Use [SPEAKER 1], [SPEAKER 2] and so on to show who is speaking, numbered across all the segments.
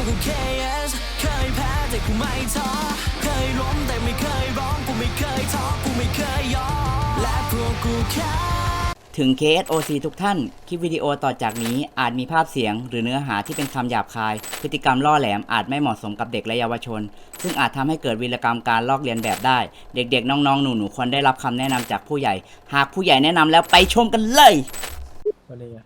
[SPEAKER 1] กู KS เคยแพ้แต่กูไม่ท้อเคยล้มแต่ไม่เคยร้องกูไม่เคยท้อกูไม่เคยยอมและพวกกูแค่ถึง KSOC ทุกท่าน คลิปวิดีโอต่อจากนี้อาจมีภาพเสียงหรือเนื้อหาที่เป็นคำหยาบคาย พฤติกรรมล่อแหลมอาจไม่เหมาะสมกับเด็กและเยาวชน ซึ่งอาจทำให้เกิดวีรกรรมการลอกเลียนแบบได้ เด็กๆ น้องๆ หนูๆ ควรได้รับคำแนะนำจากผู้ใหญ่ หากผู้ใหญ่แนะนำแล้วไปชมกันเลย
[SPEAKER 2] สวัสดีครับ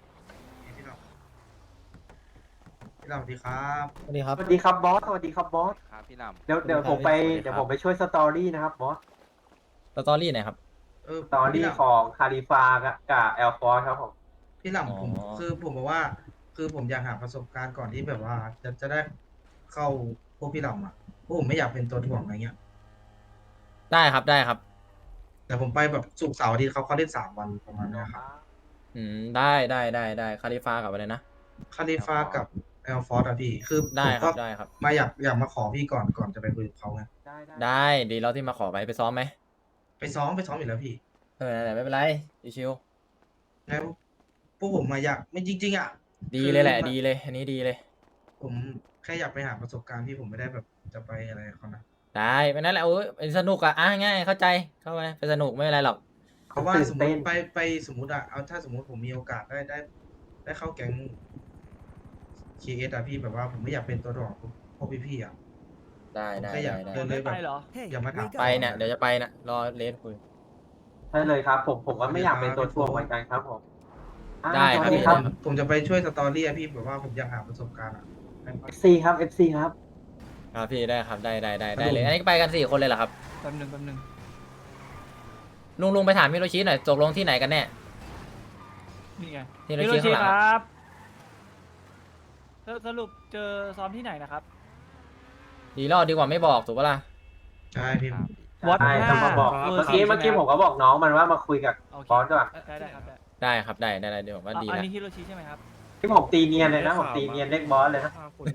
[SPEAKER 3] พี่หลับสวัสดีครับ
[SPEAKER 2] สวัสดีครับ
[SPEAKER 4] สวัสดีครับบอส สวัสดีครับบอส
[SPEAKER 5] ครับพี่ลำ
[SPEAKER 4] เดี๋ยวผมไป
[SPEAKER 2] สวัสดีครับ
[SPEAKER 4] เดี๋ยวผมไปช่วยสตอรี่นะครับบอส
[SPEAKER 2] สตอรี่ไหนครับ
[SPEAKER 4] สตอรี่ของคาลิฟากับแอลฟอร์ครับผม
[SPEAKER 3] พี่หลับ
[SPEAKER 2] อ๋อ
[SPEAKER 3] ผมบอกว่า คือผมอยากหาประสบการณ์ก่อนที่แบบว่าจะได้เข้าพวกพี่หลับอ่ะเพราะผมไม่อยากเป็นตัวถ่วงอะไรเงี้ย
[SPEAKER 2] ได้ครับได้ครับ
[SPEAKER 3] แต่ผมไปแบบศุกร์เสาร์อาทิตย์เขาเล่น3 วันประมาณเนี้ยครับ
[SPEAKER 2] ได้คาลิฟากับอะไรนะ
[SPEAKER 3] คาลิฟากับแอลฟอร์ดอะพี่ คือ
[SPEAKER 2] ได้
[SPEAKER 3] ผม
[SPEAKER 2] ครั
[SPEAKER 3] ก็
[SPEAKER 2] บได้ครับ
[SPEAKER 3] มาอยากมาขอพี่ก่อนจะไปคุยกับเขาไง
[SPEAKER 2] ได้ดีแล้วที่มาขอไปซ้อมไหม
[SPEAKER 3] ไปซ้อมอยู่แล้วพี่
[SPEAKER 2] แต่ไม่เป็นไรชิว
[SPEAKER 3] แล้วพวกผมมาอยากไม่จริงๆอ่ะ
[SPEAKER 2] ๆดีเลยแหละดีเลยอันนี้ดีเลย
[SPEAKER 3] ผมแค่อยากไปหาประสบการณ์ที่ผมไม่ได้แบบจะไปอะไรกับเขานะ
[SPEAKER 2] ได้ไปนั่นแหละโอ้ยสนุกง่ายเข้าใจเข้าไปสนุกไม่เป็นไรหรอก
[SPEAKER 3] เพราะว่า
[SPEAKER 4] ตื่น
[SPEAKER 3] สมม
[SPEAKER 4] เต้
[SPEAKER 3] ติ
[SPEAKER 4] น
[SPEAKER 3] ไปสมมติอะเอาถ้าสมมติผมมีโอกาสได้เข้าแก๊ง KS อะพี่แบบว่าผมไม่อยากเป็นตัวดอกพวกพี่ๆอะ
[SPEAKER 2] ได้
[SPEAKER 3] ผม
[SPEAKER 2] ได้
[SPEAKER 3] แค่อยาก
[SPEAKER 2] ได้
[SPEAKER 3] เดินเลยแบบอย่ามาถาม
[SPEAKER 2] ไปเนี่ยเดี๋ยวจะไปนะรอเลสคุย
[SPEAKER 4] ใช่เลยครับ ผมก็ไม่อยากเป็นตัวถ่วงเหมือนกันครับผมอ่า
[SPEAKER 2] ได้
[SPEAKER 4] ส
[SPEAKER 2] ครั
[SPEAKER 4] วั
[SPEAKER 2] บ
[SPEAKER 4] สดีครับ
[SPEAKER 3] ผมจะไปช่วยสตอรี่อะพี่แบบว่าผมอยากหาประสบการณ์อะ
[SPEAKER 4] FC ครับ FC ครับ
[SPEAKER 2] ครับพี่ได้ครับได้เลยอันนี้ไปกัน4 คนเลยเหรอครับ
[SPEAKER 6] แป๊บหนึ่ง
[SPEAKER 2] ลุงไปถามฮิโรชิหน่อยตกลงที่ไหนกันแน่
[SPEAKER 6] นี่ไง
[SPEAKER 2] ฮิโรชิข้างหลัง
[SPEAKER 6] ครับสรุปเจอซ้อมที่ไหนนะครับ
[SPEAKER 2] ดีรอดดีกว่าไม่บอกถูกปะล่ะ
[SPEAKER 3] ใช่พี่
[SPEAKER 6] วัด
[SPEAKER 4] ใช่ต้องมาบอก
[SPEAKER 6] 5
[SPEAKER 4] เมื่อกี้ผมก็บอกน้องมันว่ามาคุยกับ
[SPEAKER 6] โอเค
[SPEAKER 4] บอสก่อน
[SPEAKER 6] ได้ครับได้
[SPEAKER 2] ได้ครับได้เดี๋ยวผมว่าดี
[SPEAKER 6] อัน
[SPEAKER 2] แล้ว
[SPEAKER 6] นี้ฮิโรชิใช่ไหมครับ
[SPEAKER 4] ที่ผมตีเนียนเลยนะ ผมตีเนียนเรียกบอสเลยนะ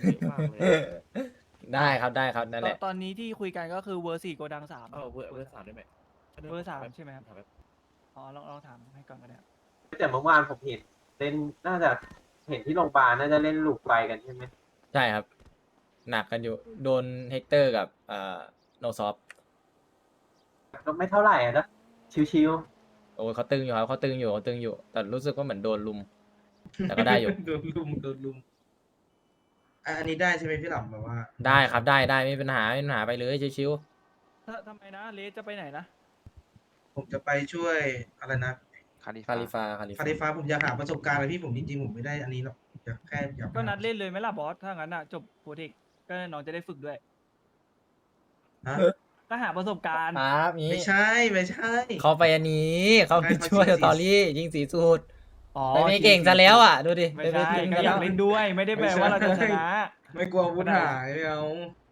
[SPEAKER 2] ได้ครับนั่นแหละ
[SPEAKER 6] ตอนนี้ที่คุยกันก็คือเวอร์4โกดัง3
[SPEAKER 5] เวอร์สามได้ไหม
[SPEAKER 6] เวอร์3ใช่ไหมครับอ๋อลองถามให้ก่อนก็ได้ครับ
[SPEAKER 4] แต่เมื่อวานผมเห็นเล่นน่าจะเห็นที่โรงพยาบาลน่าจะเล่นลูกไฟกันใช่ไหม
[SPEAKER 2] ใช่ครับ หนักกันอยู่โดนเฮกเตอร์กับโนซอฟ
[SPEAKER 4] ก็ไม่เท่าไหร่อะนะชิว
[SPEAKER 2] โอ้ยเขาตึงอยู่ครับเขาตึงอยู่ แต่รู้สึกว่าเหมือนโดนลุม แต่ก็ได้อยู่
[SPEAKER 3] โดนลุมอันนี้ได้ใช่ไหมพี่หลับแบบว่า
[SPEAKER 2] ได้ครับได้ไม่มีปัญหาไปเลยชิว
[SPEAKER 6] ทำไมนะเลสจะไปไหนนะ
[SPEAKER 3] ผมจะไปช่วยอะไรนะ
[SPEAKER 5] คาลิ
[SPEAKER 2] ๆคาลิฟา
[SPEAKER 3] คาลิฟ้าผมอยากหาประสบการณ์อะไรพี่ผมจริงๆผมไม่ได้อันนี้หรอกอยาก
[SPEAKER 6] ก็นัดเล่นเลยไหมล่ะบอสถ้างั้นอ่ะจบโปรเทคก็น้องจะได้ฝึกด้วย
[SPEAKER 3] ฮะ
[SPEAKER 6] ก็หาประสบการณ์
[SPEAKER 2] ครับนี้
[SPEAKER 3] ไม่ใช่
[SPEAKER 2] เขาไปอันนี้เขาไป
[SPEAKER 3] ใช่เขา
[SPEAKER 2] ช่วย
[SPEAKER 3] ชิง
[SPEAKER 2] สตอรี่ยิงสีสูตร
[SPEAKER 6] อ๋อ
[SPEAKER 2] ไม่เก่งซะแล้วอ่ะดูดิ
[SPEAKER 6] ไม่ใช่
[SPEAKER 2] ยิง
[SPEAKER 6] ก็
[SPEAKER 2] ซะ
[SPEAKER 6] อ
[SPEAKER 2] แล้
[SPEAKER 6] ยาว กเล่นด้วย ไม่ได้แปลว่าเราจะชนะ
[SPEAKER 3] ไม่กลัวอาวุธหายไม่เอา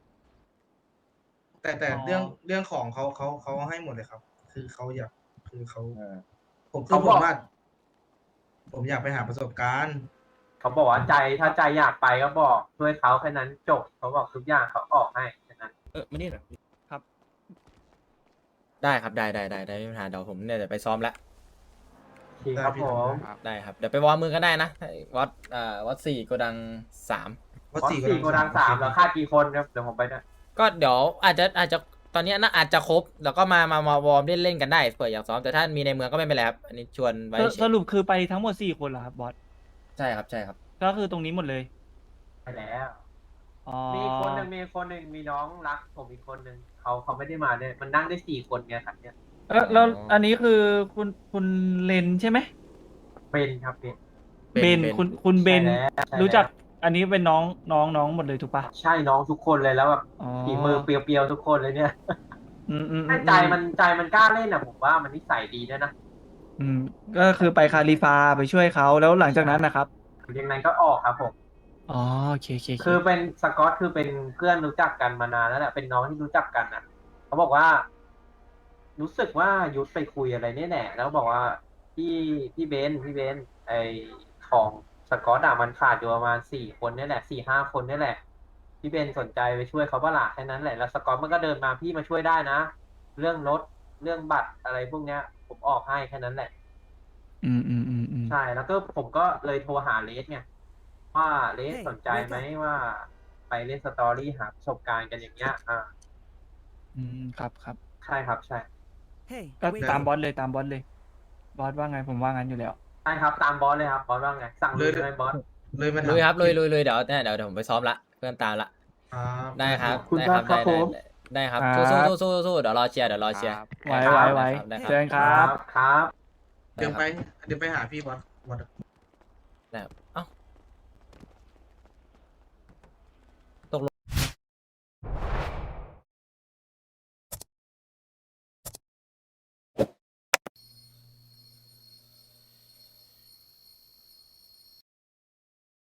[SPEAKER 3] แต่
[SPEAKER 6] อ๋อ
[SPEAKER 3] เรื่องของเขาให้หมดเลยครับ คือเขาอยากคือเขา
[SPEAKER 2] เออ
[SPEAKER 3] ผมคือผมว่าผมอยากไปหาประสบการณ์
[SPEAKER 4] ๆเขาบอกว่าถ้าใจอยากไปก็บอกช่วยเขาแค่นั้นจบเขาบอกทุกอย่างเขาออกให้แค่นั้น
[SPEAKER 5] มานี่หน่อย
[SPEAKER 2] ได้ครับได้ไม่มีปัญหาเดี๋ยวผมเนี่ยเดี๋ยวไปซ้อมแล้ว
[SPEAKER 4] จริงครับผม
[SPEAKER 2] ได้ครับเดี๋ยวไปวอร์มมือกันได้นะวัด4โกดัง3
[SPEAKER 3] วัด
[SPEAKER 4] บอส
[SPEAKER 3] สี่
[SPEAKER 4] สี่โกดัง3แล้วค่ากี่คนครับเดี๋ยวผมไปด้วย
[SPEAKER 2] ก็เดี๋ยวอาจจะตอนนี้น่าอาจจะครบแล้วก็มาวอร์มเล่นกันได้เผื่ออยากซ้อมแต่ถ้ามีในเมืองก็ไม่เป็นไรครับอันนี้ชวนไว้เฉ
[SPEAKER 6] ส
[SPEAKER 2] ย
[SPEAKER 6] รุปคือไปทั้งหมด4 คนเหรอครับบอส
[SPEAKER 2] ใช่ครับ
[SPEAKER 6] ก็คือตรงนี้หมดเลย
[SPEAKER 4] ไปแล้ว
[SPEAKER 6] อ๋อ
[SPEAKER 4] มีคนหนึ่งมีน้องรักผมอีกคนหนึ่งเขาไม่ได้มาเนี่ยมันนั่งได้4 คนไงครับเนี่ย
[SPEAKER 6] แล้วอันนี้คือคุณเลนใช่ไหม
[SPEAKER 4] เป็นครับเป็น
[SPEAKER 6] เบนคุณเบน
[SPEAKER 4] ใช่แล้ว
[SPEAKER 6] รู้จักอันนี้เป็นน้องหมดเลยถูกปะ
[SPEAKER 4] ใช่น้องทุกคนเลยแล้วแบบ
[SPEAKER 6] อ๋อ
[SPEAKER 4] ฝีมือเปรียวๆทุกคนเลยเนี่ย ให้ใจมันกล้าเล่นอ่ะผมว่ามันนิสัยดีด้วยนะ
[SPEAKER 6] ก็คือไปคาลิฟาไปช่วยเขาแล้วหลังจากนั้นนะครับ
[SPEAKER 4] ยังไงก็ออกครับผม
[SPEAKER 6] อ๋อโอเค
[SPEAKER 4] คือเป็นสกอตคือเป็นเพื่อนรู้จักกันมานานแล้วแหละเป็นน้องที่รู้จักกันอ่ะเขาบอกว่า รู้สึกว่ายุทธไปคุยอะไรเนี่ยแหละแล้วบอกว่าพี่เบนไอของสกอตอะมันขาดอยู่ประมาณ4 คนเนี่ยแหละ4-5 คนเนี่ยแหละพี่เบนสนใจไปช่วยเขาบ้าล่ะแค่นั้นแหละแล้วสกอตมันก็เดินมาพี่มาช่วยได้นะเรื่องรถเรื่องบัตรอะไรพวกเนี้ย ผมออกให้แค่นั้นแหละ
[SPEAKER 6] อืม
[SPEAKER 4] ใช่แล้วก็ผมก็เลยโทรหาเลสไงว่าเลสสนใจไหมว่าไปเล่นสตอรี่หาประสบการณ์กันอย่างเงี้ย
[SPEAKER 6] ครับครับ
[SPEAKER 4] ใช่ครับใช่
[SPEAKER 6] ก็ตามบอสเลยตามบอสเลย บอสว่าไงผมว่างั้นอยู่แล้ว
[SPEAKER 4] ใช่ครับตามบอสเลยครับบอสว่าไงสั่งเลยใช่ไหมบอส
[SPEAKER 3] เลยมาถาม
[SPEAKER 2] ลุยครับลุยเดี๋ยวผมไปซ้อมละเพื่อนตามละ
[SPEAKER 3] ครับ
[SPEAKER 2] ได้ครับ
[SPEAKER 4] ขอบคุณ
[SPEAKER 2] ได้ครับ
[SPEAKER 4] มากครับผม
[SPEAKER 2] ได้ครับ
[SPEAKER 6] ครับ
[SPEAKER 2] สู้เดี๋ยวรอเชียร์
[SPEAKER 6] ไว้
[SPEAKER 2] ได้ครับ
[SPEAKER 6] ไว้
[SPEAKER 2] ได้ค
[SPEAKER 6] เชิ
[SPEAKER 2] รับ
[SPEAKER 6] ญครับ
[SPEAKER 4] ครับ
[SPEAKER 3] เดี๋ยวไปหาพี่บอส
[SPEAKER 2] ได้ครับ